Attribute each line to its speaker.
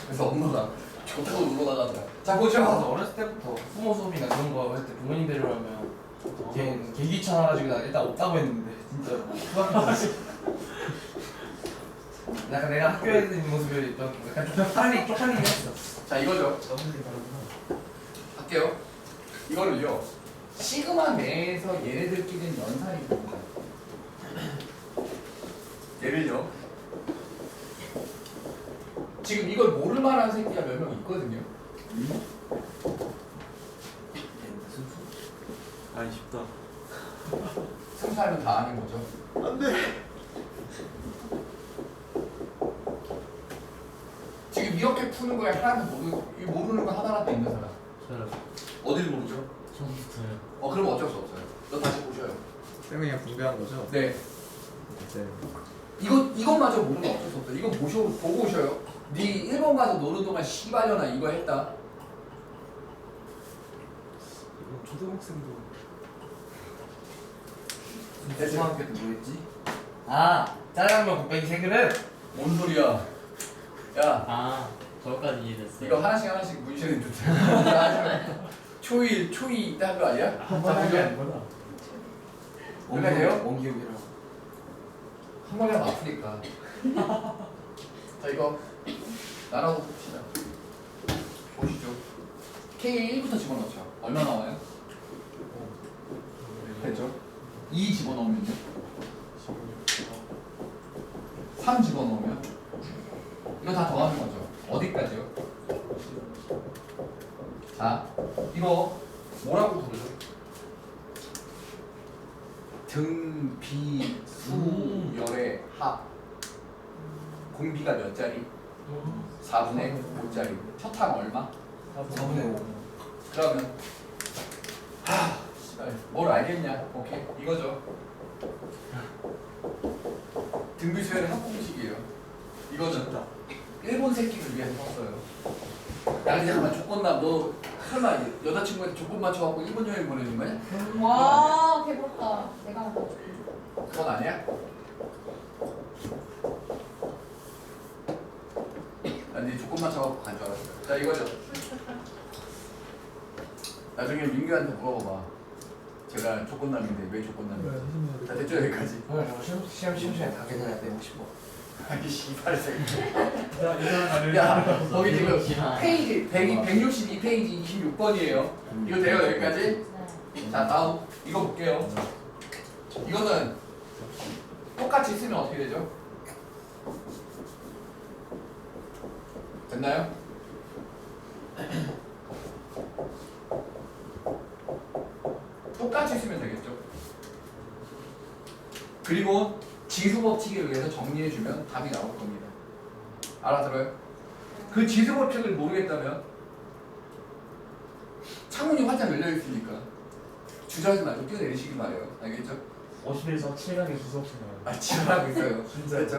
Speaker 1: 그래서 엄마가 좋다고 놀러 나가더라. 자 보죠.
Speaker 2: 어렸을 때부터 부모 수업이나 그런 거 할 때 부모님 데려가면 걔는 개 귀찮아가지고 나 일단 없다고 했는데 진짜 약간 내가 학교에 있는 모습을 좀 약간 쪽팔리긴 했어.
Speaker 1: 자 이거죠. 할게요. 이거를요. 시그마 내에서 얘네들끼리는 연산이 됩니다. 얘를요. 지금 이걸 모를 만한 새끼가 몇 명 있거든요.
Speaker 3: 아니 쉽다.
Speaker 1: 승수하면 다 아는 거죠.
Speaker 3: 안돼.
Speaker 1: 지금 이렇게 푸는 거에 하나도 모르는 거 하나라도 있는 사람.
Speaker 3: 저요.
Speaker 1: 어딜 모르죠?
Speaker 3: 처음부터요.
Speaker 1: 그럼 어쩔 수 없어요. 너 다시 보셔요.
Speaker 4: 쌤이 그냥 분배한 거죠?
Speaker 1: 네.
Speaker 4: 이제
Speaker 1: 이것마저 모르면 어쩔 수 없어요. 이거 보고 오셔요. 네 일본 가서 노는 동안 씨발려나 이거 했다.
Speaker 3: 이거 초등학생도.
Speaker 2: 중학교 때 뭐였지? 아 짜장면 곱빼기 세 그릇.
Speaker 1: 뭔 소리야? 야,
Speaker 5: 아, 거기까지 이해됐어요.
Speaker 1: 이거 하나씩 문신해 주세요. 초이 때 한 거 아니야?
Speaker 3: 한번 하게 아니구나.
Speaker 1: 뭔가 돼요?
Speaker 2: 원기옥이랑.
Speaker 1: 한 번에 하면 아프니까. 자 이거 나눠서 봅시다. 보시죠. K1부터 집어넣죠. 얼마 나와요? 됐죠? 2 집어넣으면요. 3 집어넣으면 이거 다 더하는 거죠. 어디까지요? 자, 이거 뭐라고 부르죠? 등, 비, 수, 열의 합. 공비가 몇 자리? 4분의 5짜리. 첫 항 얼마?
Speaker 2: 4분의 5.
Speaker 1: 그러면 씨발 뭘 알겠냐? 오케이 이거죠. 등비수열의 합공식이에요. 이거죠. 일본 새끼를 위해서 썼어요. 야 근데 잠깐만 조건남 너 설마 여자친구한테 조건 맞춰갖고 일본 여행 보내준 거야?
Speaker 6: 와, 배부럽다. 내가 먹어.
Speaker 1: 그건 아니야? 난네 조건 맞춰갖고 간 줄 알았어요. 자 이거죠. 나중에 민규한테 물어봐봐. 제가 조건남인데 왜 조건남인지. 자 됐죠 여기까지.
Speaker 2: 오늘 저 시험 시간에 다 계산해야 돼 50번.
Speaker 1: 아니 씨발 새끼.
Speaker 3: 이상한
Speaker 1: 야 거기 지금
Speaker 5: 심한.
Speaker 1: 페이지 162페이지 26번이에요. 이거 돼요 여기까지?
Speaker 6: 네.
Speaker 1: 자 다음 이거 볼게요. 이거는 똑같이 쓰면 어떻게 되죠? 됐나요? 똑같이 쓰면 되겠죠. 그리고 지수법칙에 의해서 정리해주면 답이 나올 겁니다. 알아들어요? 그 지수법칙을 모르겠다면 창문이 활짝 열려있으니까 주저하지 말고 뛰어내리시기 바래요. 알겠죠?
Speaker 3: 50에서 7강의 수석생활.
Speaker 1: 아 지랄하고 있어요.
Speaker 3: 진짜.
Speaker 1: 됐죠?